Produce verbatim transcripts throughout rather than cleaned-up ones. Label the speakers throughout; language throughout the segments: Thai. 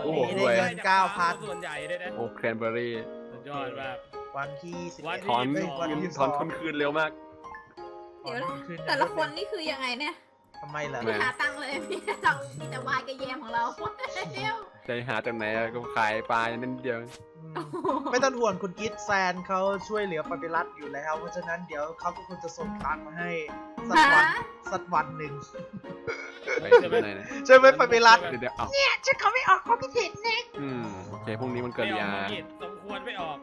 Speaker 1: วันนี้ได้เงินเก้าพัน
Speaker 2: ส่วนใหญ่เลยนะ
Speaker 3: โอ้แครนเบอร์รี่
Speaker 2: สุดยอดมาก
Speaker 1: วันที่สิบ
Speaker 2: วั
Speaker 1: เอ็
Speaker 2: น
Speaker 1: ด
Speaker 2: ที่
Speaker 3: ถอน
Speaker 1: เฮ้ยวัน
Speaker 3: เงิน
Speaker 1: ที่
Speaker 3: ถ
Speaker 1: ส
Speaker 3: อ
Speaker 1: อน ง
Speaker 3: ทุนคืนเร็วมาก
Speaker 4: เดี๋ยวแต่ละคนนี่คือยังไงเนี่ย
Speaker 1: ทำไมล่ะ
Speaker 4: ไม่หาตังค์เลยมีแต่ตังค์มีแต่วายกับแยมของเราเดียว
Speaker 3: ใจหาจากไหนอะก็ขายปลาอย่างนั้นเดียว
Speaker 1: อืมไม่ต้องห่วงคุณกิฟแซนเขาช่วยเหลือปาปิรัสอยู่แล้ว เพราะฉะนั้นเดี๋ยวเขาก็คงจะส่งตังค์มาให้สักวันสักวันหนึ่ง
Speaker 3: ไปที่ไหนนะ
Speaker 1: ใช่ไหมปาปิรัส
Speaker 3: เดี๋ยวเดี๋ยวเอา
Speaker 1: เนี่ยฉันเขาไม่ออกความคิดเห็นนะ
Speaker 3: อืมโอเคพรุ่งนี้มันเกิด
Speaker 2: ไม่ออย
Speaker 3: า
Speaker 2: กผิดสมควรไม่ออก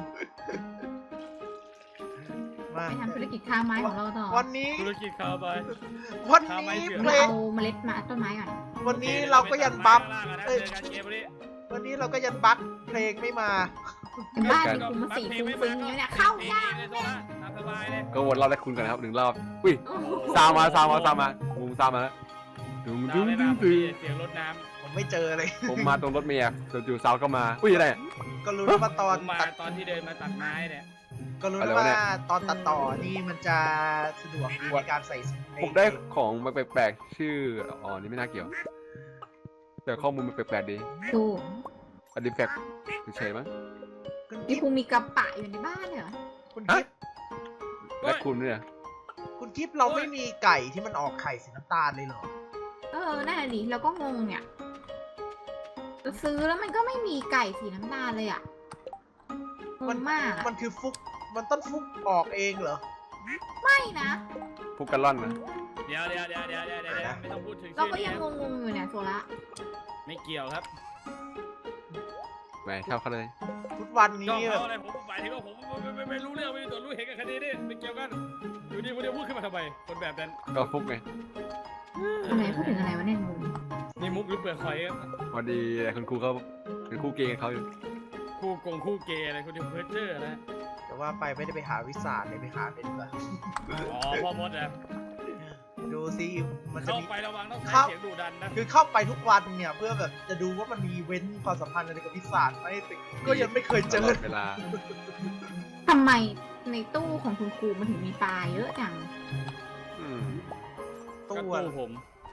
Speaker 1: มา
Speaker 4: ไปทำธุรกิจค้าไม้ของเราต่อ
Speaker 1: วันนี้
Speaker 2: ธุรกิจเขาไป
Speaker 1: วัน
Speaker 2: ทำไม
Speaker 1: นี้
Speaker 2: เสือ
Speaker 1: เพล
Speaker 4: เรา
Speaker 1: ง
Speaker 4: เอาเมล็ดมาต้นไม้ก่อน
Speaker 1: วันนี้เราก็ยันบัฟ
Speaker 2: เอ้ยการเกมนี้
Speaker 1: วันนี้เราก็ยันบัฟเพลงไม่มา
Speaker 4: เป็นบ้านมีคุมมาสีฟุ้งฟิ้งอย่างเนี้ยเข้ายาก
Speaker 2: เลยโซล่าตามสบายเลย
Speaker 3: ก็วนรอบได้คุณกันนะครับหนึ่งรอบอุ้ยซาวมาซาวมาซาวมางูซาวมาแล้วดึง
Speaker 2: ดา
Speaker 3: ดึ
Speaker 2: ว
Speaker 3: ง
Speaker 2: ไม่
Speaker 3: ดึ
Speaker 2: มาง พอ
Speaker 3: ดึ
Speaker 2: ดี
Speaker 3: ง
Speaker 2: เสียงรถน้
Speaker 1: ผมไม่เจอเลย
Speaker 3: ผมมาตรงรถเมียจู่ๆซาวเข้ามาอุ้ยอะไรอะ
Speaker 1: ก็รู้แล้วว่าต
Speaker 2: ำ
Speaker 1: อน
Speaker 2: ผมมา
Speaker 1: ตัด
Speaker 2: ตอนที่เดินมาตัดไม้เนี่ย
Speaker 1: ก็รู้
Speaker 3: อะไร
Speaker 1: แล้ว
Speaker 3: วะเนี่
Speaker 1: ว่าย ตอนตัดต่อนี่มันจะสะดวกดีในการใส่
Speaker 3: ผมได้ของมาแปลกๆชื่ออ๋อนี่ไม่น่าเกี่ยว แต่ข้อมูลมันแปลกๆดี
Speaker 4: ดู
Speaker 3: อดิแฟกเฉยๆมั้ง
Speaker 1: คุณ
Speaker 4: นี่
Speaker 1: กิฟ
Speaker 4: ภูมีกระปะอยู่ในบ้านเหรอ
Speaker 1: คุณกิฟ
Speaker 3: และคุณเนี่ย
Speaker 1: คุณกิฟเราไม่มีไก่ที่มันออกไข่สีน้ำตาลเลยเหรอ
Speaker 4: เออนั่นแหละดิเราก็งงเนี่ยเราซื้อแล้วมันก็ไม่มีไก่สีน้ำตาลเลยอ่ะงงมากอะ
Speaker 1: มันคือฟุกมันต้นฟุกออกเองเหรอ
Speaker 4: ไม่นะ
Speaker 3: พุกกะล่อนนะ
Speaker 2: เดี๋ยวเดี๋ยวเดี๋ยวเดี๋ยวเดี๋ยวเดี๋ยวไม่ต้องพูดถึง
Speaker 4: เรา
Speaker 2: ชื่อ
Speaker 4: ก็
Speaker 2: นี้
Speaker 4: ยังงงๆอยู่เนี่ยโซละ
Speaker 2: ไม่เกี่ยวครับ
Speaker 3: แหมชอบเขาเลย
Speaker 1: ทุกวัน
Speaker 2: ก็
Speaker 1: นี้แบ
Speaker 2: เขา
Speaker 1: บ
Speaker 2: อะไรผมหมายถึงว่าผมไม่ไม่ไม่รู้เรื่องไม่มีส่วนรู้เห็นกับคดีนี่ไม่เกี่ยวกันอยู่ดีคนเดียวพูดขึ้นมาทำไมคนแบบนั้น
Speaker 3: ก็ฟุกไง
Speaker 4: อะไรพูดถึงอะไรวะเนี่ยงง
Speaker 2: นี่มุกหรือเปลือกหอยครับ
Speaker 3: พอดีคุณครูเขาเป็นครูเกย์เขาอยู่
Speaker 2: คู่กงคู่เกย์อะไรคุณดิวเพอร์เจอร์นะ
Speaker 1: แต่ว่าไปไม่ได้ไปหาวิสาเลยไปหาเป็นแบบ
Speaker 2: อ๋อพ่อมดอะ
Speaker 1: ดูซิมันจะ
Speaker 2: เข้า
Speaker 1: มี
Speaker 2: ไประวังต้อง
Speaker 1: ครั
Speaker 2: ใช้
Speaker 1: บ
Speaker 2: เสียงดุดันนะ
Speaker 1: คือเข้าไปทุกวันเนี่ยเพื่อแบบจะดูว่ามันมีเว้นความสัมพันธ์อะไรกับวิสาไหมแต่ก็ยังไม่เคยเจ
Speaker 3: ต
Speaker 1: อ
Speaker 3: ลอดเวลา
Speaker 4: ทำไมในตู้ของคุณครูมันถึงมีปลาเยอะจัง
Speaker 3: อืม
Speaker 2: ตู้
Speaker 1: ตู้
Speaker 2: ตู้ผม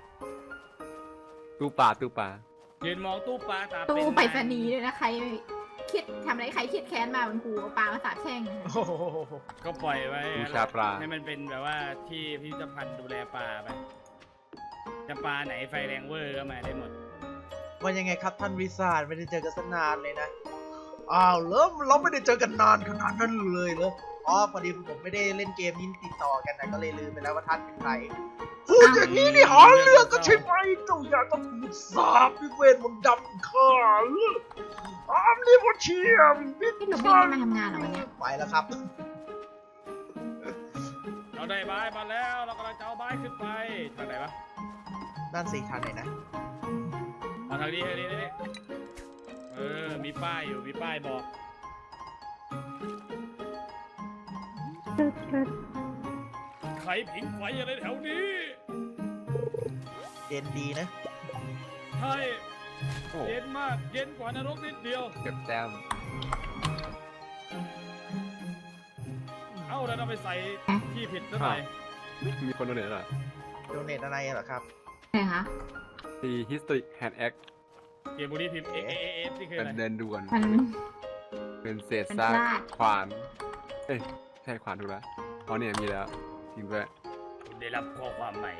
Speaker 3: ตู้ปลาตู้ปลา
Speaker 2: ยืนมองตู้ปลาตา
Speaker 4: ตู้
Speaker 2: เป็น
Speaker 4: ไปรษณีย์เลยนะใครเครียดทำอะไรใครเครียดแค้นมาคุณครูเอาปลามาสาบแช่งนะคะ
Speaker 1: โอ้โห
Speaker 2: ก็ปล่อยไว้
Speaker 3: บูชาปลา
Speaker 2: ให้มันเป็นแบบว่าที่พิพิธภัณฑ์ดูแลปลาไปจะปลาไหนไฟแรงเวอร์ก็มาได้หมด
Speaker 1: มันยังไงครับท่านวิสาไม่ได้เจอกันสนานเลยนะอ้าวเริ่มเราไม่ได้เจอกันนานขนาดนั้นเลยเหรออ๋อพอดีผมไม่ได้เล่นเกมนี้ติดต่อกันนะก็เลยลืมไปแล้วว่าท่านเป็นใครพูดอย่างนี้นี่หาเรื่องก็ใช่ไหมเจ้าอยากต้องถูกสาปด้วยเวทมนต์ดำข้าเหรออ้ามนี่พอเชียมวิ
Speaker 4: พี่หนูไม่ได้มาทำงานเหรอวันเนี้ย
Speaker 1: ไปแล้วครับ
Speaker 2: เราได้บายมาแล้วเรากำลังจะเอาบายขึ้นไปทางไหนวะ
Speaker 1: ด้านสี่ทางไหนนะ
Speaker 2: มาทางนี้ทางนี้นี่เออมีป้ายอยู่มีป้ายบอกใครผิงไฟอะไรแถวนี้
Speaker 1: เย็นดีนะ
Speaker 2: ใช่
Speaker 3: โอ้
Speaker 2: เย็นมากเย็นกว่านรกนิดเดียว
Speaker 3: เก็บแต้ม
Speaker 2: เอ้าแล้วเราไปใส่ที่ผิดซะหน่อย
Speaker 3: มีคนโดนเหนือหน่อย
Speaker 1: โดเนทอะไรเหรอครับ
Speaker 4: ไหนคะ
Speaker 3: ตี history hand act
Speaker 2: เกมบุรีพิมพ์เอเอเอฟนี่คือ
Speaker 3: เป็
Speaker 2: อะ
Speaker 3: น
Speaker 2: ไร
Speaker 3: เดินด่วน
Speaker 4: มัน
Speaker 3: เป็นเศษ
Speaker 4: มัน
Speaker 3: ซาก
Speaker 4: พลาด
Speaker 3: ขวาน เอ้ยใช่ขวานถูกแล้วอ๋อเนี่ยมีแล้วจริงด้วย
Speaker 2: คุณได้รับข้อความใหม่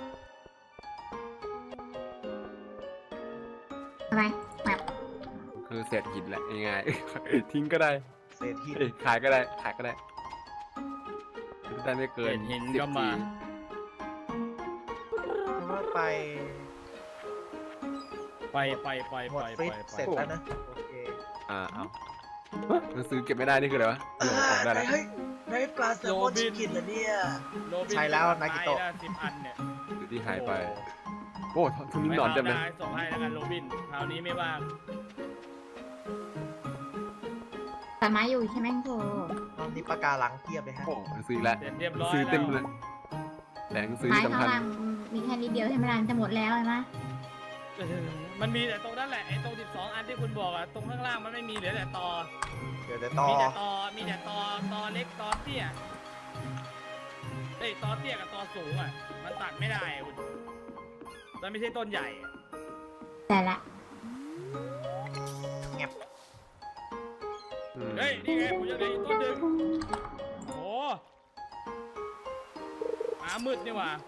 Speaker 4: อะไรแบบ
Speaker 3: คือเศษหินแหละง่ายๆ ทิ้งก็ได้
Speaker 1: เศษหิน
Speaker 3: เอ้ยขายก็ได้ขายก็ได้ได้ไม่เกิน
Speaker 2: เศษหิน
Speaker 3: สิบ
Speaker 2: ก็มา
Speaker 3: ที
Speaker 1: เพราะว่าไป
Speaker 2: ไปไปไป
Speaker 1: หม
Speaker 2: ไป
Speaker 1: ด
Speaker 2: ไป
Speaker 1: ฟิต
Speaker 2: ไป
Speaker 1: เสร็จแล้วนะ โอเค
Speaker 3: อ่าเอาฮะหนังสือเก็บไม่ได้นี่คืออะไรวะเอาออกได้แล้ว
Speaker 1: เฮ้ยได้ปลาแซลมอนชิคกินเหรอเนี่ย
Speaker 2: โรบิน
Speaker 1: ใช่แล้วนากิโตะ
Speaker 2: ไม้ละสิบอันเนี่ย
Speaker 3: อยู่ที่หายไป โอ้ทุนนี้หนอนเต็มเลย
Speaker 2: ไว้คราวหส่งให้แล้วกันโรบินคราวนี้ไม่ว่าง
Speaker 4: แต่ไม้อยู่ใช่ไหมคุณครู
Speaker 1: รอบนี้ปากกาหลังเทียบเลยฮะ
Speaker 3: โอ้หนังสืออีกแล้ว
Speaker 2: เสร็จเรียบร้อย
Speaker 3: ซื้อเต็ม
Speaker 2: แล้
Speaker 3: เลยว แต่หนังสือ
Speaker 4: ไม้
Speaker 3: ที่
Speaker 4: ข้าง
Speaker 3: สำคัญ
Speaker 4: ล่างมีแค่นิดเดียวใช่ไหมล่ะจะหมดแล้วใช่ไหม
Speaker 2: เออมันมีแต่ตรงนั้นแหละไอ้ตรงสิบสองอันที่คุณบอกอะตรงข้างล่างมันไม่มีเหลือแต่ตอ
Speaker 1: เดี๋ยวจะต่อ
Speaker 2: มีแต่ตอมีแต่ตอตอเล็กตอเตี้ยเอ้ยตอเตี้ยกับตอสูงอะมันตัดไม่ได้อะคุณมันไม่ใช่ต้นใหญ่อะ
Speaker 4: แต่ละ
Speaker 2: นี่ไงผมจะเหลืออีกต้นหนึ่งโอ้หมามืดนี่หว่า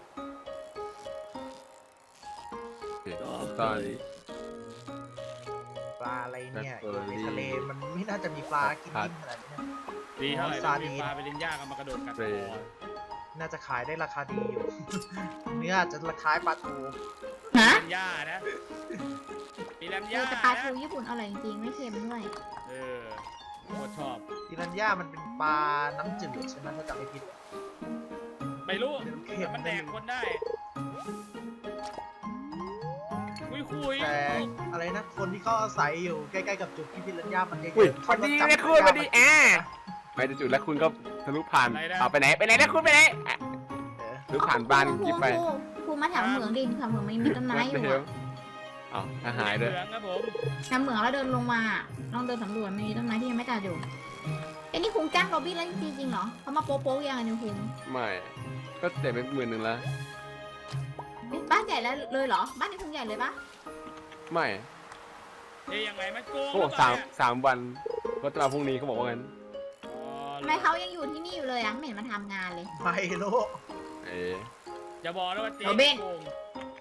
Speaker 3: โอเคตอนนี้
Speaker 1: ปลาอะไรเนี่ย
Speaker 3: แบล็คเบอร์รี่
Speaker 1: ในทะเลมันไม่น่าจะมีปลากินดิ้นขนาดนี้นะ
Speaker 2: ดีเท่าไหร่
Speaker 1: ซา
Speaker 2: ซา
Speaker 1: ดี
Speaker 2: ดี
Speaker 1: น
Speaker 2: ปลาไปเล่นยากกันมากระโดดกัดค
Speaker 3: เฟร
Speaker 2: อ
Speaker 1: น่าจะขายได้ราคาดีอยู่ เนื้ออาจจะราคาปลาทู
Speaker 4: ฮะ
Speaker 2: ปีแลมย่านะปีแลม
Speaker 4: เออย่
Speaker 2: า
Speaker 4: แต่ปลา
Speaker 2: นะ
Speaker 4: ทูญี่ปุ่นอร่อยจริงๆไม่เค็มด้วย
Speaker 2: เออโคตรชอบ
Speaker 1: ปิรันย่ามันเป็นปลาน้ำจืดใช่ไหมถ้าจำไม่ผิด
Speaker 2: ไม่รู้
Speaker 1: เค็
Speaker 2: แต่
Speaker 1: ม
Speaker 2: มันแดกคนได้ คุยคุย
Speaker 1: แต่อะไรนะ คนที่เขาอาศัยอยู่ใกล้ๆกับจุดที่ปิรันย่ามันเยอะ
Speaker 3: อุ้ย
Speaker 1: ๆ
Speaker 3: สวัสดีนะคุณสวัสดีแอะไปจุดแล้วคุณก็ทะลุผ่านเอาไปไหนไปไหนนะคุณไปไหนอ่ะ
Speaker 1: เออ
Speaker 3: ทะลุผ่านบ้าน
Speaker 4: ครู
Speaker 3: กิ๊บไป
Speaker 4: ครูครูมาแถวเหมืองดิแถวเหมืองมันมีต้นไม้อยู่
Speaker 3: เดี๋ว
Speaker 4: อะ
Speaker 3: อ้าวถ้าหายเลย
Speaker 2: เหลืองครับผม
Speaker 4: แถวเหมืองแล้วเดินลงมาลองเดินสำรวจมันมีต้นไม้ที่ยังไม่ตัดอยู่ไอ้นี่คุงจ้างโรบินแล้วจริงๆเหรอเขามาโป๊ะๆยังไงเนี่ยคุง
Speaker 3: ไม่ก็เจ็บไปหมื่นหนึ่งแล้ว
Speaker 4: เอ๊ะบ้านใหญ่แล้วเลยเหรอบ้านนี้คุงใหญ่เลยปะ
Speaker 3: ไม่
Speaker 2: เอ้ยยังไงมันโกง
Speaker 3: เขาบอกสามสามวันก็จะมาพรุ่งนี้เขาบอกว่างั้น
Speaker 4: ทำไมเขายังอยู่ที่นี่อยู่เลยอ่ะไม่เห็นมาทำงานเลย
Speaker 1: ไม่รู้
Speaker 3: เอ๊ะ
Speaker 2: จะบอกนะว่าเจ๊
Speaker 4: โรบิน
Speaker 2: โกง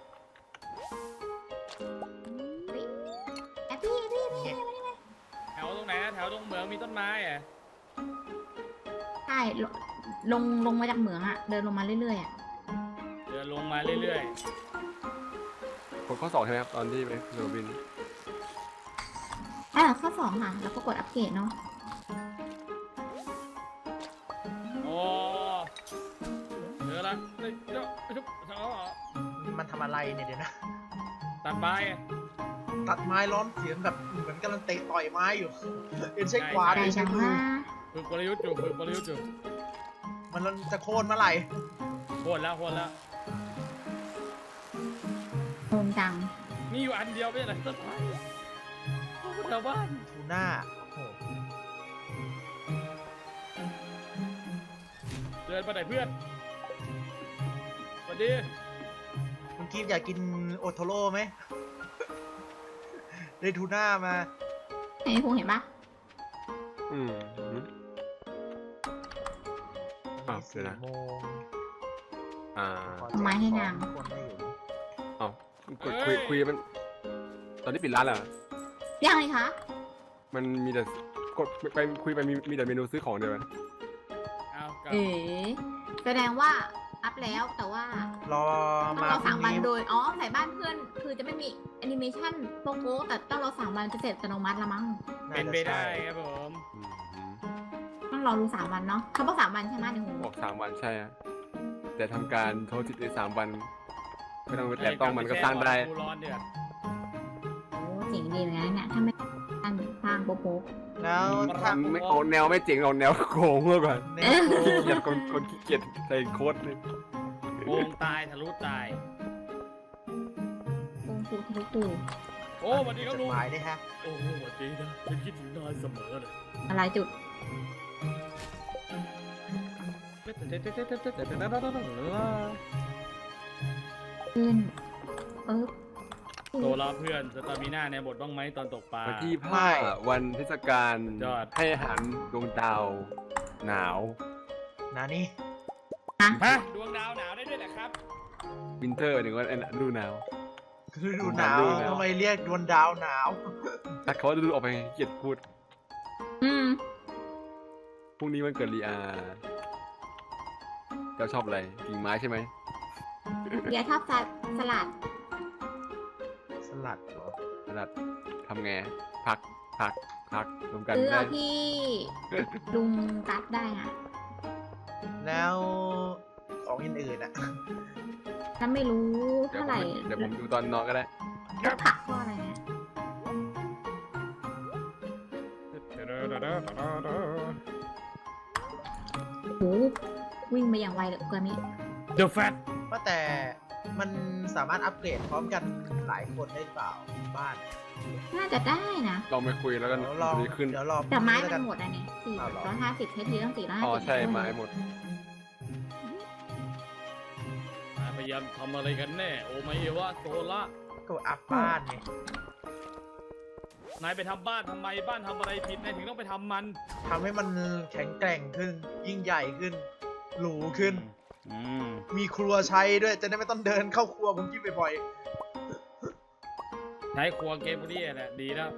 Speaker 4: แอบพี่พี่พี่
Speaker 2: แถวตรงไหนนะแถวตรงเหมืองมีต้นไม้อะ
Speaker 4: ใช่ลงลงลงมาจากเหมืองอ่ะเดินลงมาเรื่อยๆอ่ะ
Speaker 2: เดินลงมาเรื่อย
Speaker 3: กดข้อสองใช่ไหมครับตอนที่ไปโรบิน
Speaker 4: อ่าข้อสองค่ะแล้วก็กดอัปเกรดเนาะ
Speaker 2: ๆ โอ้เจอละเฮ้ยเจ้าเจ้าเจ้า
Speaker 1: มันทำอะไรเนี่ยเดี๋ยวนะ
Speaker 2: ตัดไม้อะ
Speaker 1: ตัดไม้ร้อนเสียงแบบเหมือนกำลังเตะต่อยไม้อยู่เป็นใช้ขวาน
Speaker 4: ใจ
Speaker 1: เป็น
Speaker 4: จั
Speaker 1: ใช้
Speaker 4: ง
Speaker 1: มือ
Speaker 4: ว่า
Speaker 2: ฝึกกลยุทธ์อยู่ฝึกกลยุทธ์อยู่
Speaker 1: มันจะโค่นเมื่อไหร่
Speaker 2: โคตรแล้วโคตรแล้ว
Speaker 4: โงงจัง
Speaker 2: มีอยู่อันเดียวไม่ใช่เหรอต้นไม้โอ้โหแถวบ้าน
Speaker 1: ทูน่าโอ้โห
Speaker 2: เดินมาไหนเพื่อนสวัสดี
Speaker 1: คุณกีฟอยากกินโอโทโร่ไหม ได้ทูน่ามา
Speaker 4: เห็นคุงเห็นปะ
Speaker 3: อืมอืม อ่ะเดี๋ยวนะ
Speaker 1: โมง
Speaker 3: อ่า
Speaker 1: ขอ
Speaker 4: เอาไม้ให้นาง
Speaker 1: ทุกคนได้อยู่
Speaker 3: เอ้าคุยคุยคุยมันตอนนี้ปิดร้านแล้วเหรอ
Speaker 4: ยังเลยคะ
Speaker 3: มันมีแต่กดไปคุยไปมีมีแต่เมนูซื้อของเดียวกัน
Speaker 2: เอากลับ
Speaker 4: เอ๋แสดงว่าอัพแล้วแต่ว่าร
Speaker 1: อ
Speaker 4: ต้อง
Speaker 1: มาร
Speaker 4: อ
Speaker 1: พรุ่
Speaker 4: สาง มวัน
Speaker 1: นี้
Speaker 4: โดยอ๋อใส่บ้านเพื่อนคือจะไม่มีแอนิเมชันโป๊ะๆแต่ต้องรอสามวันจะเสร็จอัตโนมัติละมั้ง
Speaker 2: เป็นไปได้ครับผม
Speaker 3: อืมอืม
Speaker 4: ต้องรอดูสามวันเนาะเขาบอกสามวันใช่ไหมในหู
Speaker 3: บอกสามวันใช่ฮะแต่ทำการโทษทิศในสามวันไม่ต้องไปแตะต้องมันก็สร้างได้
Speaker 2: กูร้อนเดือด
Speaker 4: โอ้เจ๋งดีเหมือนกันนะเนี่ยถ้าไม่อันสร้างโป๊ะ
Speaker 1: แล้วถ้า
Speaker 3: ไม่เอาแนวไม่เจ๋งเอาแนวโกงเมื่อก่อน
Speaker 1: ใน
Speaker 3: ขี้เกียจคนคนขี้เกียจใส่โค้ดเลย
Speaker 2: โกงตายทะลุตาย
Speaker 4: ๆโกงคูทะลุปู
Speaker 2: โอ้สวัสดีครับ
Speaker 1: จ
Speaker 2: ลุ
Speaker 1: ด
Speaker 2: ง
Speaker 1: หมายด้วยฮะ
Speaker 2: โอ้โหสวัสดีนะฉันคิดถึงนายเสมอเลย
Speaker 4: อะไรจุดขึ้นปึ๊บ
Speaker 2: โตแล้วเพื่อนสตามิน่าในบทบ้างไหมตอนตกปลา
Speaker 3: วันที่ห้าวันเทศกาล
Speaker 2: ยอด
Speaker 3: ให้อาหารดวงดาวหนาว
Speaker 1: นานี่
Speaker 2: ฮะดวงดาวหนาวได้ด้วยเหรอครับ
Speaker 3: วินเทอร์ถึงว่าฤดูหนาว
Speaker 1: คือดูหนาว
Speaker 3: ดูหนาว
Speaker 1: ทำไมเรียกดวงดาวหนาว
Speaker 3: แต่เขาจะดูออกไปเกลียดพูด
Speaker 4: อืม
Speaker 3: พรุ่งนี้มันเกิดลีอาเจ้าชอบอะไรกิ่งไม้ใช่ไหม
Speaker 4: เดี๋ยวชอบสลัด
Speaker 1: สลัดเหรอ
Speaker 3: ขนาดทำไงพักพักพักรวมกัน
Speaker 4: ซื้อ
Speaker 3: ได้
Speaker 4: เอาที่ลุงกัดได้อะ
Speaker 1: แล้วของอื่นๆอ่ะ
Speaker 4: ถ้าไม่รู้
Speaker 3: เดี๋ยว
Speaker 4: เท่า
Speaker 3: ผ
Speaker 4: ไหร่
Speaker 3: มเดี๋ยวผมดูตอนนอนก็ได้
Speaker 4: แล้วผักข้ออะไรเนี่ยโหวิ่งไปอย่างไวเลยกว่านี้
Speaker 2: เดอะแฟต
Speaker 1: ว่าแต่มันสามารถอัปเกรดพร้อมกันหลายคนได้เปล่าบ้าน
Speaker 4: น่าจะได้นะ
Speaker 3: ลองไปคุยแล้วกัน
Speaker 1: เดี๋ยวลอง
Speaker 3: ดีขึ้น
Speaker 1: เดี๋ยวรอ
Speaker 4: แต่ไม้
Speaker 1: พรุ่ง
Speaker 4: มั
Speaker 1: แล้ว
Speaker 4: น
Speaker 1: กั
Speaker 4: หมดอันนี้สี่
Speaker 1: อ้าวเหรอ
Speaker 4: ร้อยห้าสิบใช้ทีต้องสี่ร้อยห้า
Speaker 3: อ๋อ
Speaker 4: สิบ
Speaker 3: ใช่ไม้หมด
Speaker 2: พยายามทำอะไรกันแน่ โอไมเอวะโซล่า
Speaker 1: ก็อัพบ้านไง
Speaker 2: นายไปทำบ้านทำไมบ้านทำอะไรผิดนายถึงต้องไปทำมัน
Speaker 1: ทำให้มันแข็งแกร่งขึ้น ยิ่งใหญ่ขึ้น หรูขึ้น
Speaker 2: อืม
Speaker 1: มีครัวใช้ด้วย จะได้ไม่ต้องเดินเข้าครัวผมกินบ่อย
Speaker 2: ใช้ครัวเกมพวกนี้แหละดีแล้ว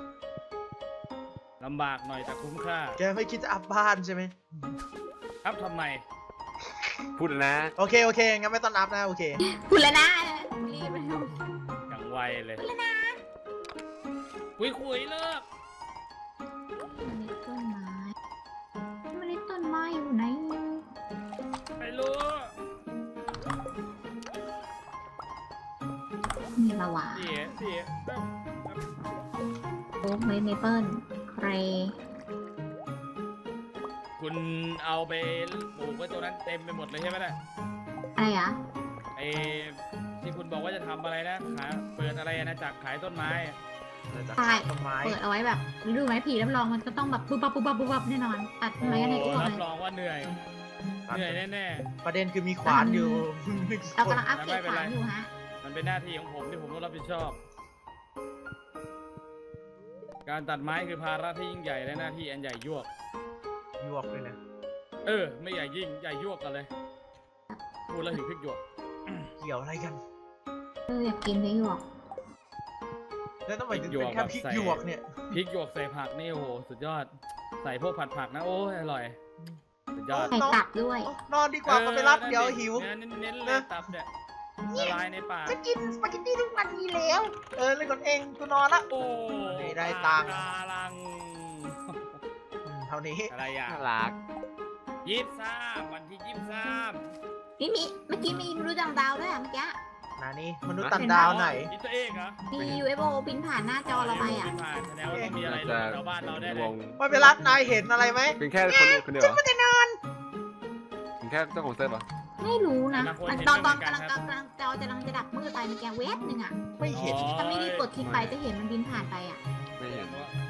Speaker 2: ลำบากหน่อยแต่คุ้มค่า
Speaker 1: ๆ แกไม่คิดจะอัพบ้านใช่ไหม
Speaker 2: ครับทำไม
Speaker 3: พูดแล้วนะ
Speaker 1: โอเคโอเคงั้นไม่ต้องอัพนะโอเค
Speaker 4: คุณแล้วนะรีบเลย
Speaker 2: อย่างไวเลยคุยคุยๆเลิก
Speaker 4: มันเล็ดต้นไม้มันเล็ดต้นไม้อยู่ไหน
Speaker 2: ไม่รู้
Speaker 4: มีละวะ
Speaker 2: เสียเสีย
Speaker 4: โอ๊กเมเมเปิลเคร
Speaker 2: คุณเอาไปปลูกไว้ตัวนั้นเต็มไปหมดเลยใช่ไหมล่ะ
Speaker 4: อะไรอ่ะ
Speaker 2: ไอ้ที่คุณบอกว่าจะทำอะไรนะขายเปิดอะไรนะจากขายต้นไม้อะ
Speaker 1: เราจะ
Speaker 4: ใช่
Speaker 1: ขาดต้นไม้
Speaker 4: เปิดเอาไว้แบบฤดูไม้ผลิรับรองมันก็ต้องแบบปุ๊บปั๊บปุ๊บปั๊บปุ๊บปั๊บแน่นอนตัดต้นไม้กันใน
Speaker 2: โอ้
Speaker 4: อ้วก
Speaker 2: รั
Speaker 4: เล
Speaker 2: บ
Speaker 4: ย
Speaker 2: รองว่าเหนื่อย เหนื่อยแน่
Speaker 1: ประเด็นคือมีขวานอยู่
Speaker 4: เรากำลังอัปเกรดขวานอยู่ฮะ
Speaker 2: ๆ มันเป็นหน้าที่ของผมที่ผมต้องรับผิดชอบ การตัดไม้คือภาระที่ยิ่งใหญ่และหน้าที่อันใหญ่ยวก
Speaker 1: ยวกเลยนะ
Speaker 2: เออ ไม่ใหญ่ยิ่งใหญ่ยวกกันเลย พูดแล้วหิวพริกหยวก
Speaker 1: เกี่ยวอะไรกัน
Speaker 4: เอออยากกินเลยหยวก
Speaker 1: แล้วทำไมถึงเป็นแค่พริกหยวกเนี่ย
Speaker 2: พริกหยวกใส่ผักนี่โอ้โหสุดยอด ใส่พวกผัดผักนะโอ้ยอร่อย สุดยอด
Speaker 4: ใส่ตับด้วย
Speaker 1: นอนดีกว่าก็ไปรับเดี๋ยวหิว
Speaker 2: เนื้อเน้นๆเลยตับเนี่ยละลายในปาก
Speaker 1: จะกินสปาเกตตี้ทุกวันนี้แล้ว เออเล่นก่อนเองกูนอนละ
Speaker 2: โอ้
Speaker 1: ไม่ได้ตังค์
Speaker 2: ปากกาลัง
Speaker 1: อืมเท่านี้
Speaker 2: อะไรอ่ะ
Speaker 3: น่ารัก
Speaker 2: ยี่สิบสามวันที่ยี่สิบสาม
Speaker 4: นี่มีเมื่อกี้มีมนุษย์ต่างดาวด้วยอ่ะเมื่อกี้
Speaker 1: นานี่มนุษย์ต่างดาวไหน
Speaker 2: นี่ตัวเองเหรอ
Speaker 4: มี ยู เอฟ โอ บินผ่านหน้าจอเราไปอ่ะ
Speaker 2: ม่ผ่านแสดงว่าต้องมีอะไร
Speaker 3: จะ
Speaker 2: ชาวบ้านเราได้เล
Speaker 3: ว
Speaker 2: ย
Speaker 3: ง
Speaker 1: ไม่ไปรับนายเห็นอะไรไหม
Speaker 3: เป็นแค่คนเดียวคนเดียวเหรอเป็นแค่เจ้าของเซิร์ฟเหรอ
Speaker 4: ไม่รู้นะ
Speaker 2: แต่ละคน
Speaker 4: มัน
Speaker 2: เห็น
Speaker 4: ตอนต
Speaker 2: ไม่
Speaker 4: อน
Speaker 2: เหมือนกัน
Speaker 4: กำลัง
Speaker 2: ครับ
Speaker 4: กำลังจอจะกำลังจะดับมืดไปเมื่อกี้เวฟหนึ่งอ่ะ
Speaker 1: ไม่เห็น
Speaker 4: ถ้าไม่รีบกดคลิกไปจะเห็นมันบินผ่านไปอ่ะ
Speaker 3: ไม่เห็น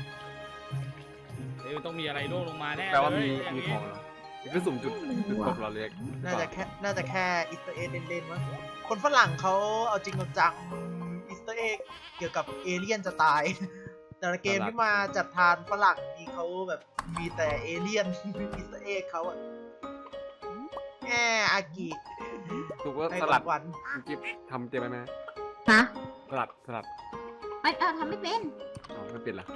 Speaker 2: เดี๋ยวต้องมีอะไรร่วงลงมาแน่
Speaker 3: แปลว่ามี
Speaker 2: เลยย่
Speaker 3: มี
Speaker 2: นี้
Speaker 3: ของเหรอนี่คือสุ่มจุดจุดตกเราเล็ก
Speaker 1: น่าจะแค่ น่าจะแค่อิสเตอร์เอ็กเล่นๆมั้งคนฝรั่งเขาเอาจริงเอาจังอิสเตอร์เอ็กเกี่ยวกับเอเลี่ยนจะตาย แต่ละเกมที่มาจัดทานฝรั่งนี่เขาแบบมีแต่เอเลี่ยน อิสเตอร์เอ็กเขาอะแง่อากิ
Speaker 3: ถูกว่า
Speaker 1: ใน
Speaker 3: ส
Speaker 1: ข
Speaker 3: ลั
Speaker 1: อ
Speaker 3: ด
Speaker 1: งวัน
Speaker 3: คุณกิฟทำเตรียมไว้ไหม
Speaker 4: ฮะ
Speaker 3: สลัดสลัด
Speaker 4: ไม่เออทำไม่เป็น
Speaker 3: อ๋อไม่เป็นเหรอ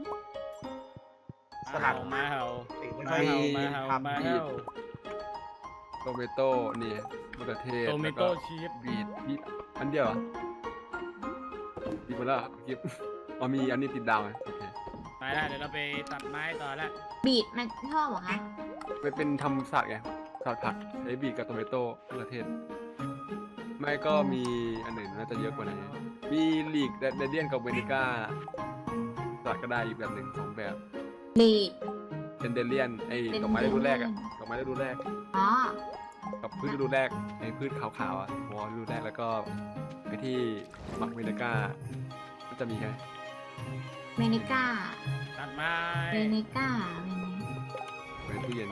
Speaker 1: สลัด
Speaker 2: มาเห่า
Speaker 1: ติไม่
Speaker 2: มา
Speaker 1: ค่อย
Speaker 2: เห่ามาเห่า
Speaker 1: ทำ
Speaker 2: มาเห่า
Speaker 3: โตเมโต้นี่มะเขือเทศ
Speaker 2: โตเม
Speaker 3: แล้ว
Speaker 2: โต้
Speaker 3: ก็
Speaker 2: ชีส
Speaker 3: บีทบีทอันเดียวเหรอบีทหมดแล้วเหรอคุณกิฟอ๋อมีอันนี้ติดดาวไหมโอเค
Speaker 2: ไปแล้วเดี๋ยวเราไปตัดไม้ต่อแล้ว
Speaker 4: บีดมันชอบเหรอคะ
Speaker 3: ไม่เป็นทำสลัดไงสลัดผักใช้บีทกับโตเมโต้มะเขือเทศ ไม่ก็มีอันอื่นน่าจะเยอะกว่านี้มีลีกเดเดียนกับเวนิก้าสลัดก็ได้อีกแบบหนึ่งสองแบบ
Speaker 4: บีด
Speaker 3: เป็นเดเลียนไอ้ดอกไม้ฤดูแรกอะดอกไม้ฤดูแรก
Speaker 4: อ๋อ
Speaker 3: กับพืชฤดูแรกไอ้พืชขาวๆอ่ะวอลฤดูแรกแล้วก็ไอ้ที่มักเวนิก้าก็จะมีแค่
Speaker 4: เมนิก้า
Speaker 2: ตัดไม้
Speaker 4: เมนิก้าเมนิ
Speaker 3: ไว้ตู้เย็น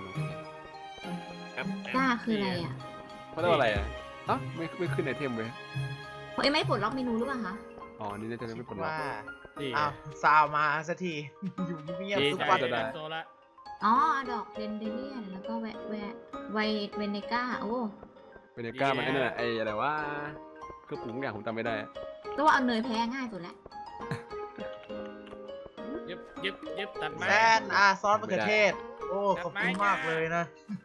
Speaker 4: ก้าคืออะไรอ่ะ
Speaker 3: เขาเรียกว่าอะไรอ่ะอ๋อไม่ไม่ขึ้นไอเทมเว้ย
Speaker 4: เอ้ยไม่ปลดล็อกเมนูหรือเปล่าคะ
Speaker 3: อ๋อนี่น่าจะไม่ปลดล็อก
Speaker 1: ว่า
Speaker 2: ดี
Speaker 1: อ้าวซาวมาสักที อยู่เงียบ
Speaker 2: ดี
Speaker 1: ๆทุก
Speaker 2: ใจ
Speaker 1: วัน
Speaker 3: จะ
Speaker 2: เล
Speaker 3: ได้
Speaker 2: ยโซละ
Speaker 4: อ๋อ ดอกเดนเดเลียน แล้วก็แวะแวะไวเวเนก้า โอ้
Speaker 3: เวนิก้ามันไอ้นั่นอะไอ้อะไรว่าเครื่องปรุงทุกอย่างผมจำไม่ได้อะ
Speaker 4: ก็ว่าเอาเนยแพ้ง่ายสุดแล้ว
Speaker 2: ยึบยึบยึบตัดไม้
Speaker 1: แซนอ่ะซอสมะเขือเทศ โอ้ขอบคุณมากเลยนะ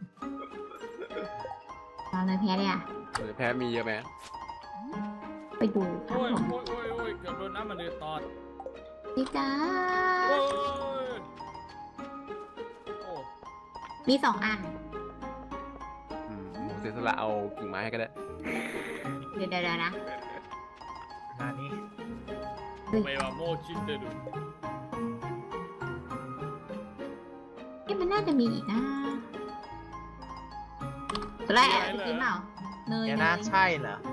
Speaker 4: เอาเนยแพ้เลยอ่ะ
Speaker 3: เออแพ้มีเยอะไหม
Speaker 4: ไปดูครั
Speaker 2: โอ้
Speaker 4: บ
Speaker 2: ย
Speaker 4: ผม
Speaker 2: โอ้ยโอ้ยโอ้ยเกือบโดนน้ำมันเดือดตอด
Speaker 4: พี่จ้า
Speaker 2: โอ้ยโอ้
Speaker 4: มีสองอัน
Speaker 3: อืมผมเสียสละเอากิ่งไม้ให้ก็ได้
Speaker 4: เดี๋ยวเดี๋ยวนะ
Speaker 1: นานี้
Speaker 2: ไม่ว่าโมชินเดดู
Speaker 4: เอ๊ะมันน่าจะมีอีกนะตัวแรกไปกินเปล่า เนย
Speaker 1: แก
Speaker 4: เน
Speaker 1: น่าย ใช่เหรอ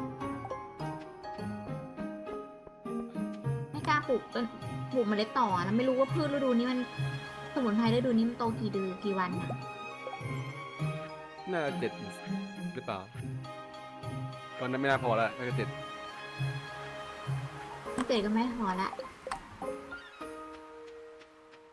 Speaker 4: ไม่กล้าปลูกต้นปลูกเมล็ดต่อนะไม่รู้ว่าพืชฤดูนี้มันสมุนไพรฤดูนี้มันโตกี่เดือนกี่วันนะ
Speaker 3: น่าจะเจ็ดหรือเปล่าตอนนั้นไม่น่าพอแล้วน่าจะเจ็ด
Speaker 4: ไม่เกิดก็ไม่พอละ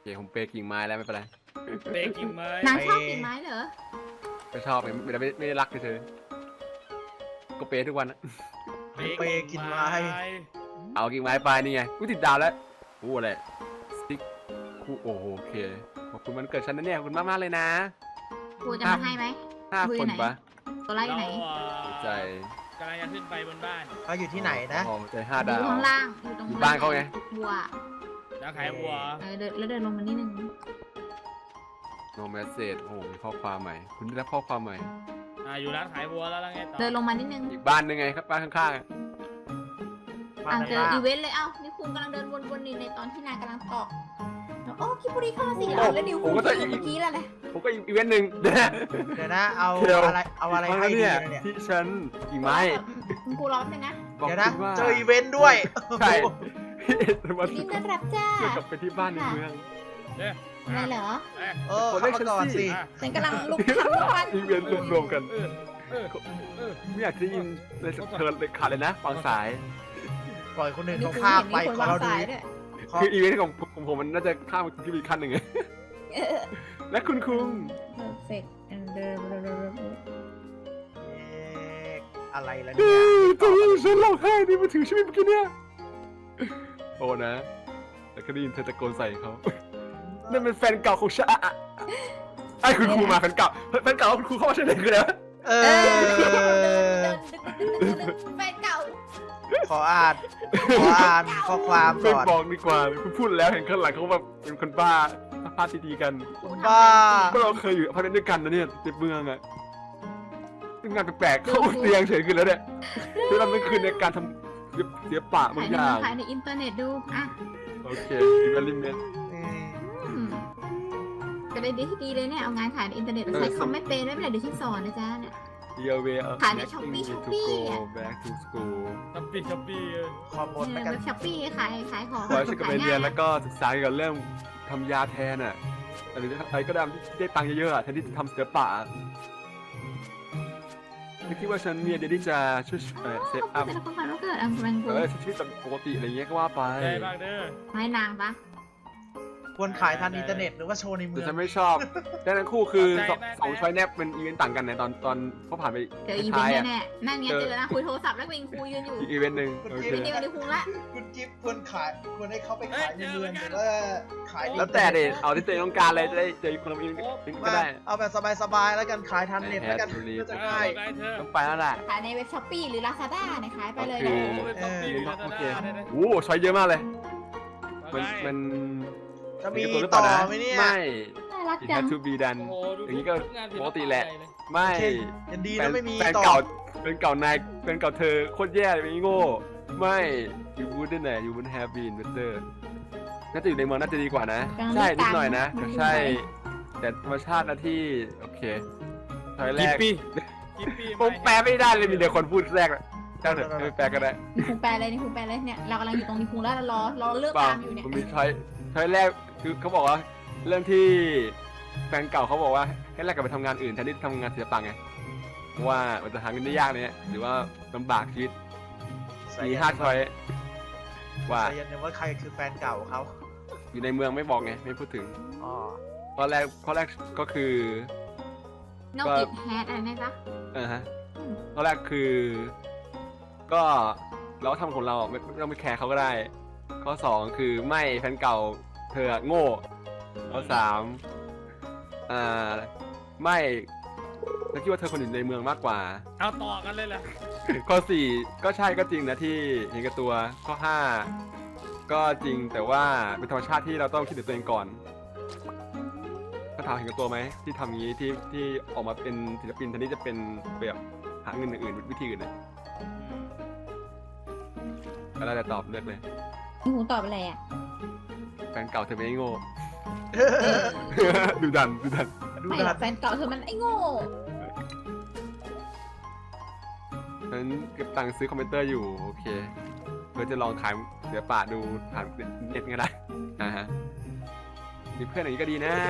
Speaker 3: ผมเปย์กิ่งไม้แล้วไม่เป็นไร
Speaker 2: เบรกกิ่งไม้
Speaker 4: นางชอบกิ่งไม้เหรอ
Speaker 3: ไม่ชอบไม่ไม่ไม่ไม่ได้รักเฉยๆก็เปย์ทุกวันนะ
Speaker 1: เปย์กิ่งไม้
Speaker 3: เอากิ่งไม้ไปนี่ไงกูติดดาวแล้วกูอะไรสติ๊กกูโอ้โหโอเคขอบคุณมันเกิดฉันนะเนี่ยขอบคุณมากมากๆเลยนะ
Speaker 4: ครูจะมาให้ไหม
Speaker 3: ห้า
Speaker 4: คุย
Speaker 3: คน
Speaker 4: ไหน
Speaker 3: ปะ
Speaker 4: ตัวไล่อยู่ไหน
Speaker 3: หัวใจ
Speaker 2: กำลังจะขึ้นไปบนบ้าน
Speaker 1: เขาอยู่ที่ไหนนะ
Speaker 3: โอ้โหหัวใจห้า
Speaker 4: อ
Speaker 3: ดาว
Speaker 4: ยู่ข้างล่าง อยู่ตรง
Speaker 3: อยู่บ้านเขาไง
Speaker 4: บัว
Speaker 2: แล้วขายวัว
Speaker 4: เออเดินแล้วเดินลงมานิดนึง
Speaker 3: โนแมสเซจโอ้โหมีข้อความใหม่ คุณได้รับข้อความใหม่
Speaker 2: อ่าอยู่ร้านขายวัวแล้วแล้วไงต่อ
Speaker 4: เดินลงมานิดนึง
Speaker 3: อีกบ้านหนึงไงครับบ้านข้างๆอะ
Speaker 1: บ้า
Speaker 4: อ่าน เจอ
Speaker 1: ข้าง
Speaker 4: อีเวนต์เลย เอ้านี่คุณกำลังเดินวนๆนี่ในตอนที่นายกำลังตอกโอ้คิปุริเข้ามาสิเอาแล้วนิวคุณที่อยู่เมื่อกี้แล้วเลย
Speaker 3: ผมก็อีเวนต์หนึ่งเดี๋ยวนะ
Speaker 1: ๆเดี๋ยวนะเอา
Speaker 3: เดี๋ยว
Speaker 1: อะไรเอาอะไร
Speaker 3: มา
Speaker 1: ให้ดี
Speaker 3: เนี่ย
Speaker 1: นะเนี่ย
Speaker 3: ที่ฉันกิ่งไม้
Speaker 4: คุณครูร้องเลยนะ
Speaker 3: บอก
Speaker 1: เดี๋ยวนะ
Speaker 3: คุณว่า
Speaker 1: เจออีเวนต์ด้วย
Speaker 3: ใช่มา
Speaker 4: ยินดีต้อนรับจ้า
Speaker 3: เกี่ยวกับไปที่บ้านในเมือง
Speaker 2: เนี่ย
Speaker 4: อะไรเหรอ
Speaker 2: เอ๊ะ
Speaker 1: เออเข้ามาก่อนสิ
Speaker 2: อ่ะ
Speaker 4: ฉันกำลังลุกขึ้นวัน
Speaker 3: อีเวนต์รวมๆกัน
Speaker 2: เออเออเออ
Speaker 3: ไม่อยากจะได้ยินเลยเธอเลยขาดเลยนะฟังสาย
Speaker 1: ปล่อยคนอื่น
Speaker 4: นี่
Speaker 1: เขา
Speaker 4: คุณ
Speaker 1: ข้าม
Speaker 4: เห็น
Speaker 1: ไป
Speaker 4: มีคน
Speaker 1: ขอ
Speaker 4: วาง
Speaker 1: เราดู
Speaker 4: สายด้วย
Speaker 1: ขอ
Speaker 3: คืออีเวนต์ของของผมมันน่าจะข้ามขึ้นไปอีกขั้นหนึ่งไง
Speaker 4: เออ
Speaker 3: และคุณคุง
Speaker 4: perfect and the
Speaker 1: เอ๊ะอะไรล่ะเนี่ย
Speaker 3: ตอนนี้ฉันร้องไห้ในมือถือใช่ไหมเมื่อกี้เนี่ยโอ้นะแล้วก็ได้ยินเธอตะโกนใส่เขานั่นเป็นแฟนเก่าของฉันอะอะไอ้คุณครูมาแฟนเก่าแฟนเก่าคุณครูเข้ามาใช่ไหมคืออะไรวะ
Speaker 1: เอ
Speaker 4: เอ
Speaker 1: อ
Speaker 4: แฟนเก่า
Speaker 1: ขออ่านขออ่านข้อความ
Speaker 3: ไม่
Speaker 1: ก่อน
Speaker 3: บอกดีกว่าคุณพูดแล้วเห็นข้างหลังเขาแบบเป็นคนบ้าพาดดีๆกัน
Speaker 1: บ้า
Speaker 3: พวกเราเคยอยู่อพาร์ตเมนต์ด้วยกันนะเนี่ยในเมืองอะซึ่งงานแปลกๆเข้าเตียงเฉยขึ้นแล้วเนี่ยคือเราไม่คืนในการทำเสียปะบางอย่าง
Speaker 4: ถ่ายในอินเทอร์เน็ตดูอ่ะ
Speaker 3: โอเคอีเวนต์ลิเมน
Speaker 1: อืม
Speaker 4: อืมจะได้ดีที่ดีเลยเนี่ยเอางานขายในอินเทอร์เน็ตใช้คอมไม่เป็นไม่เป็นไรเดี๋ยวฉันสอนนะจ๊ะเนี่ย
Speaker 3: เยเวอ
Speaker 4: ขายใน Shopee Shopee อะ
Speaker 3: back to school
Speaker 2: ช้อปปี้ช้อปปี้เออ
Speaker 1: ขอบนแล้วกัน
Speaker 4: เว็บช้อปปี้ขายขายของ
Speaker 3: ขอให้ฉันกลับไปเรียนแล้วก็ศึกษาเกี่ยวกับเรื่องทำยาแทนอ่ะหรืออะไรก็ได้ที่ได้ตังค์เยอะๆอ่ะแทนที่จะทำศิลปะอะไม่คิดว่าฉันเนี่ยเดี๋ยวที่จะช่วยเอ่อเซฟอัพ
Speaker 4: แต่ละคนผ่านว่าเกิดอันเป็น
Speaker 3: เออใช้ชีวิตแบบปกติอะไรเงี้ยก็ว่าไป
Speaker 2: ได้บ้างเด้อ
Speaker 4: ให้นางปะ
Speaker 1: ควรขายทางอินเทอร์เน็ตหรือว่าโชว์ในเมื
Speaker 3: แต่
Speaker 1: อง
Speaker 3: ฉันไม่ชอบแต่ทั้งคู่คือสองสองช้อยแนบเป็นอีเวนต์ต่างกันในตอนตอนเขาผ่านไป
Speaker 4: เจออีเวน
Speaker 3: ท้าย
Speaker 4: ต์
Speaker 3: อ่ะ
Speaker 4: แน่ๆนั่นไงเจอนะคุยโทรศัพท์แล้วเป็นครูยืนอยู่
Speaker 3: อีกอีเวนต์หนึ่งโอเค
Speaker 4: เดี๋ยวเดี๋ยวคุงละ
Speaker 1: คุณจิ๊บควรขายควรให้เขาไปขายในเมืองหรือว่าขายใน
Speaker 3: แล้วแต่เด็เอาที่ตัวเองต้องการเลยจะได้เจอคนละอีเวนต์ก็
Speaker 1: ว่า
Speaker 3: ได้
Speaker 1: เอาแบบสบายๆแล้วกันขายทางเน็ตแล้วกัน
Speaker 3: แฮปปี้
Speaker 1: ก็จะ
Speaker 2: เออ
Speaker 1: ง่าย
Speaker 2: ได้เธอ
Speaker 3: ต้องไปแล้วแหละ
Speaker 4: ขายในเว็บช้อปปี้หรือลาซาด้าเนี่ยขายไปเลย
Speaker 3: โอ
Speaker 4: นะ
Speaker 3: เค
Speaker 2: โอ้เป็นช้อปปี้ลาซา
Speaker 3: โอเค
Speaker 2: ด้าได้ไหม
Speaker 3: โอ้ช้อยเยอะมากเลยมันมัน
Speaker 1: จะมี
Speaker 3: เห็นกับ
Speaker 1: ต่
Speaker 3: ตัว
Speaker 1: อ
Speaker 3: หรืเปล่านะ
Speaker 1: ไหมเนี่ย
Speaker 3: ไม่
Speaker 4: น่ารัก
Speaker 3: it
Speaker 4: จัง
Speaker 3: had to be done
Speaker 2: โอ้โหดู
Speaker 3: อย่างนี้ก็
Speaker 2: ทุงานศิ
Speaker 3: ปกติแหละ
Speaker 2: ใญ่เย
Speaker 3: ไม่
Speaker 1: โอเคยังดี
Speaker 3: แฟ
Speaker 1: นะ
Speaker 3: น
Speaker 1: ไม่มี
Speaker 3: แฟน
Speaker 1: ต่อ
Speaker 3: เก่าแฟนเก่านายแฟนเก่าเธอโคตรแย่เลยเป็นโง่ไม่ you wouldn't ไหน you wouldn't have been better น่าจะอยู่ในเมืองน่าจะดีกว่านะ ใช่นิดหน่อยนะแต่ใช่ แต่ธรรมชาตินะที่โอเคถอยแร
Speaker 2: กี่
Speaker 3: ก
Speaker 2: ปีกี่ปี
Speaker 3: ผมแปลไม่ได้เลยมีแต่คนพูดแรกอะเจ้าเถอะไม่แปลก็ได้
Speaker 4: นี่คุงแปลเลยนี่คุงแปลเลยเนี่ยเรากำลังอยู่ตรงนี้คุงแล้วเรารอรอเลือก
Speaker 3: เปล่า
Speaker 4: ตามอยู่เนี่ย
Speaker 3: ผมมีช้อยช้อยแรกคือเขาบอกว่าเรื่องที่แฟนเก่าเขาบอกว่าให้แลกกลับไปทำงานอื่นแทนที่จะทำงานศิลปะไงเพราะว่ามันจะหาเงินได้ยากเนี่ยหรือว่าลำบากชีวิตมีห้าช้อยว่า
Speaker 1: แต่ยันเนี่ยว่าใครคือแฟนเก่าเขา
Speaker 3: อยู่ในเมืองไม่บอกไงไม่พูดถึง
Speaker 1: อ๋อ
Speaker 3: ข้อแรกข้อแรกก็คือ
Speaker 4: นอกอิดแฮดอะไรนะจ๊ะ
Speaker 3: เออฮะข้อแรกคือ ก็เราก็ทำของเราไม่ไม่ต้องไปแคร์เขาก็ได้ ข้อสองคือไม่แฟนเก่าเธอโง่ข้อสามอ่าไม่เธอคิดว่าเธอคนอยู่ในเมืองมากกว่า
Speaker 2: เอาต่อกันเลยเหรอ
Speaker 3: ข้อสี่ก็ใช่ก็จริงนะที่เห็นกับตัวข้อห้าก็จริงแต่ว่าเป็นธรรมชาติที่เราต้องคิดถึงตัวเองก่อนก็ถามเห็นกับตัวไหมที่ทำอย่างนี้ที่ที่ออกมาเป็นศิลปินแทนที่จะเป็นแบบหาเงินอื่นๆวิธีอื่นนะก็ได้แต่ตอบเลือกเลย
Speaker 4: นี่คุงตอบอะไรอ่ะ
Speaker 3: แฟนเก่าเธอไม่ได้โง่ ดูดันดูดัน
Speaker 1: ดู
Speaker 4: ไม่หร
Speaker 1: ดั
Speaker 4: อก
Speaker 1: น
Speaker 4: แฟนเก่าเธอมันไอ้โง่
Speaker 3: ฉันเก็บตังค์ซื้อคอมพิวเตอร์อยู่โอเคเพื่อจะลองขายเดี๋ยวป่าดูผ่านเน็ตก็ได้อ่าฮะมีเพื่อนอย่างนี้ก็ดีนะ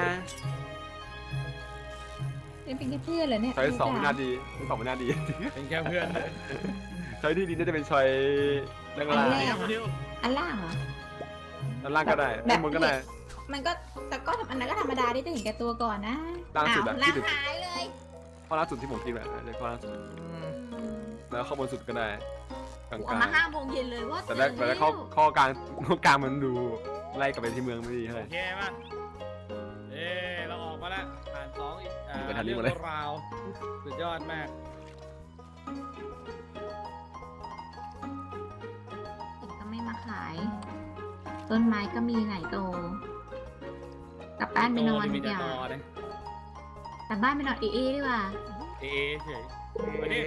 Speaker 4: เป็นเป็นแค่เพื่อนเหรอเนี่ย
Speaker 3: ช้อยสองไม่น่าดีช้อยสองไม่น่าดี
Speaker 2: เป็นแค่เพื่อนเลย
Speaker 3: ช้อยที่ดีน่าจะเป็นช้อยล่างล่าง
Speaker 2: เดี๋ยวเดี๋ยว
Speaker 4: อันล่างเหรอ
Speaker 3: ด้านล่างก็ได้
Speaker 4: แบบ
Speaker 3: ด้านบนก็ได้
Speaker 4: มันก็แต่ก็อันนั้นก็ธรรมดาที่จะเห็นแก่ตัวก่อนนะ
Speaker 3: ล่าสุดอะ
Speaker 4: อ้าว
Speaker 3: ที่
Speaker 4: ล้าง
Speaker 3: สุด
Speaker 4: หายเลย
Speaker 3: ข้อล่าสุดที่ผมกินแบบจะข้อล่าสุด
Speaker 1: อืม
Speaker 3: แล้วข้อบนสุดก็ได้กลาง
Speaker 4: ออกมาห้าโมงเย็นเลยว่า
Speaker 3: ๆแต่แรกแต่แรกข้อข้อกลางข้อกลางมันดูไล่กลับไปที่เมืองไม่ดีเท่าไห
Speaker 2: โอ
Speaker 3: ร่
Speaker 2: เคป่ะเอ้เราออกมาแล้วผ่านสองอีกอ่า
Speaker 3: ไปทางนี้
Speaker 2: เรื่
Speaker 3: หมดเลย
Speaker 2: ราวสุดยอดมาก
Speaker 4: ก็ไม่มาขาย ต้นไม้ก็มีไหนโต กลับบ้านไปนอน
Speaker 2: โต
Speaker 4: ดี
Speaker 2: มี
Speaker 4: ก
Speaker 2: แต่
Speaker 4: ว่า
Speaker 2: ตอนะ
Speaker 4: กลับบ้านไปนอนเอเอดีกว่า
Speaker 2: เอเฉยมาดิ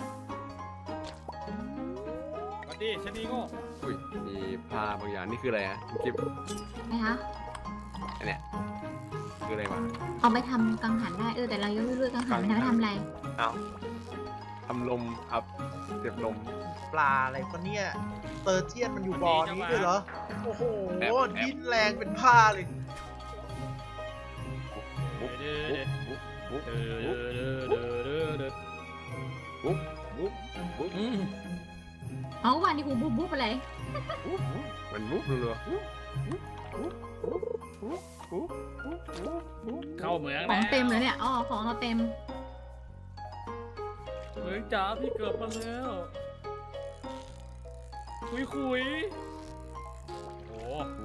Speaker 2: มาดิชะนีโง่
Speaker 3: อุ้ยมีผ้าบางอย่างนี่คืออะไรฮะคุณกิฟต์
Speaker 4: นะคะ
Speaker 3: อันเนี้ยคืออะไรวะ
Speaker 4: เอาไปทำกังหันได้เออแต่เรายังไม่รู้กังหันมันทำไปทำอะไร
Speaker 3: อ้าวทำลมอัพเก็บลม
Speaker 1: ปลาอะไรก็เนี่ยเตอร์เจียนมันอยู่บ่อนี้ด้วยเหรอโอ้โห
Speaker 3: แอบแอบ
Speaker 1: ดิ้นแรงเป็นผ้าเลย
Speaker 3: บุ๊บ
Speaker 2: เด้อ
Speaker 3: บุ๊บบุ๊บ
Speaker 2: เด้อ
Speaker 3: บุ๊บ
Speaker 2: เด้อเด้อเด้อเด้อ
Speaker 3: บุ๊บบุ๊บบุ๊บ
Speaker 2: อืม
Speaker 4: เอาวันนี้กูบุ๊บบุ๊บอะไร
Speaker 3: บุ๊บบุ๊บมันบุ๊บรัวๆบุ๊บบุ๊บบุ๊บบุ๊บบุ๊บบุ๊บบุ๊บบุ๊บ
Speaker 2: เข้าเหมือง
Speaker 4: ข
Speaker 2: แล้
Speaker 4: อ
Speaker 2: ว
Speaker 4: งเต็มเลยเนี่ยอ๋อของเราเต็ม
Speaker 2: เหมืองจ๋าพี่เกือบมาแล้วคุยคุยโอ้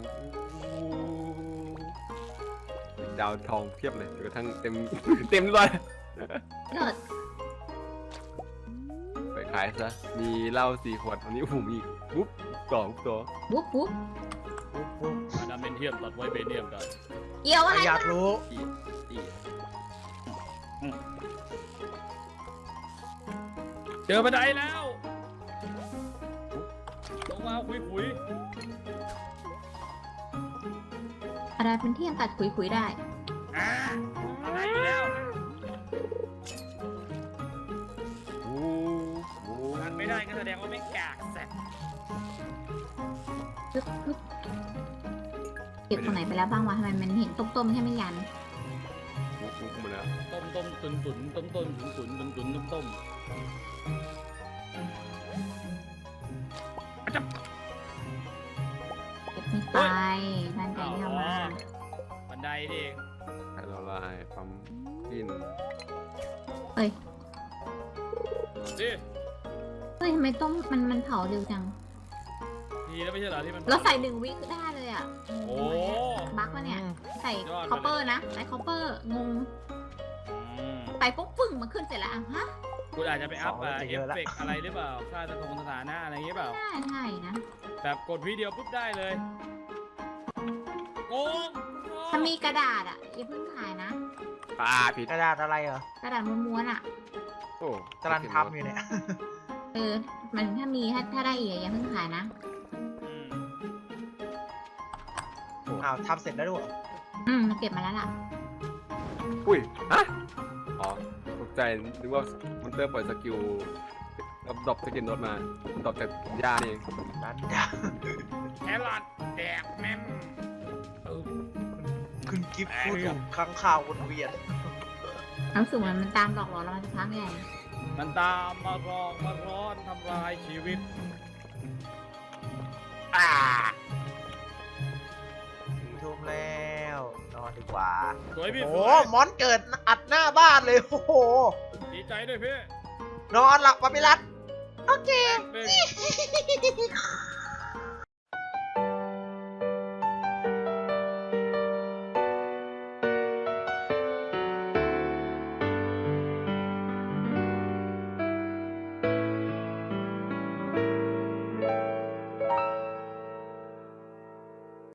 Speaker 3: ดาวทองเพียบเลยจนกระทั่งเต็ม เต็มเลย
Speaker 4: เลิศ
Speaker 3: ไปขายซะมีเหล้าสี่ขวดวันนี้ผมอีกบุ๊บต่อบุ๊บต่อ
Speaker 4: บุ๊บบุ๊บ
Speaker 1: ปุ๊บปุ๊บ
Speaker 2: อะดามเมนเทียมตัดไว้เบเนียมกัน
Speaker 4: เกี่ยวอะไร
Speaker 1: อยากรู้
Speaker 3: อีกอีก
Speaker 2: เจอบันไดแล้วลงมาคุยคุย
Speaker 4: อะไรเป็นที่ยังตัดขุยขุยๆได้
Speaker 2: อ่าอะไรอยู่แล้ว
Speaker 3: โอ้โห
Speaker 2: ทันไม่ได้ก็แสดงว่าไม่กากแสบ
Speaker 4: ปึ๊บปึ๊บเก็บตรงไหนไปแล้วบ้างวะทำไมมันเห็นต้มๆแค่ไม่ยัน
Speaker 3: บุ๊บบุ๊บหมดแล้ว
Speaker 2: ต้มต้มตุนตุนต้มต้มตุนตุนตุนตุนต้มต้ม
Speaker 4: เก็บไม่ไปนั่นใจที่เอามา
Speaker 2: บันไดนี่เอง
Speaker 3: ไข่ละลายปั๊มกิน
Speaker 4: เอ้ย
Speaker 2: ดิ
Speaker 4: เฮ้ยทำไมต้มมันมันเผาเร็วจัง
Speaker 2: ดีแล้วไม่ใช่เหรอที่มัน
Speaker 4: เราใส่หนึ่งวิก็ได้เลยอ่ะ
Speaker 2: โอ้
Speaker 4: บั๊กวะเนี่ย ใส่
Speaker 2: ยอดไปเลย
Speaker 4: คอปเปอร์นะ ใส่คอปเปอร์ งง
Speaker 2: อืม
Speaker 4: ใส่ปุ๊บปึ้งมันขึ้นเสร็จแล้วอ่ะฮะ
Speaker 2: คุณอาจจะไปอัพอ่ะเอฟเฟกต์อะไรหรือเปล่าค่าสถงสถานะอะไรอย่างเงี้ยเปล่า
Speaker 4: ไม่ได้ใช่นะ
Speaker 2: แบบกดวิดีโอปุ๊บได้เลยโกง
Speaker 4: ถ้ามีกระดาษอ่ะอย่าเพิ่งขายนะ
Speaker 3: ปลาผิด
Speaker 1: กระดาษอะไรเหรอก
Speaker 4: ระดาษม้วนๆอ่ะ
Speaker 3: โอ้
Speaker 1: กำลังทำอยู่เนี่ย
Speaker 4: เออ มันถ้ามีถ้าถ้าได้อีกอะอย่าเพิ่งขายนะ
Speaker 2: อืม
Speaker 1: อ้าวทำเสร็จแล้วด้วยเหรอ
Speaker 4: อืมเก็บมาแล้วล่ะ
Speaker 3: อุ้ยฮะอ๋อตกใจนึกว่ามันเตอร์ปล่อยสกิลแล้วดรอปสกิลโนตมาดรอปจากหญ้านี่เอง
Speaker 1: ร้านดา
Speaker 2: แครอทแดกแม่มเออ
Speaker 1: คุณกิฟต์พูดถูกค้างข่าววนเวียน
Speaker 4: รู้สึกเหมือนมันตามหลอกหลอนเรามาสักพักใหญ่
Speaker 2: มันตามมารองมาร้อนทำลายชีวิต
Speaker 3: อ่า
Speaker 1: สี่ทุ่มแล้วนอนดีกว่า
Speaker 2: สวยพี่
Speaker 1: โอ้
Speaker 2: ส
Speaker 1: โห
Speaker 2: วย
Speaker 1: มอนเกิดอัดหน้าบ้านเลยโอ้โห
Speaker 2: ดีใจด้วยพี่
Speaker 1: นอนหลับปาปิรัตโอเค
Speaker 2: เป็น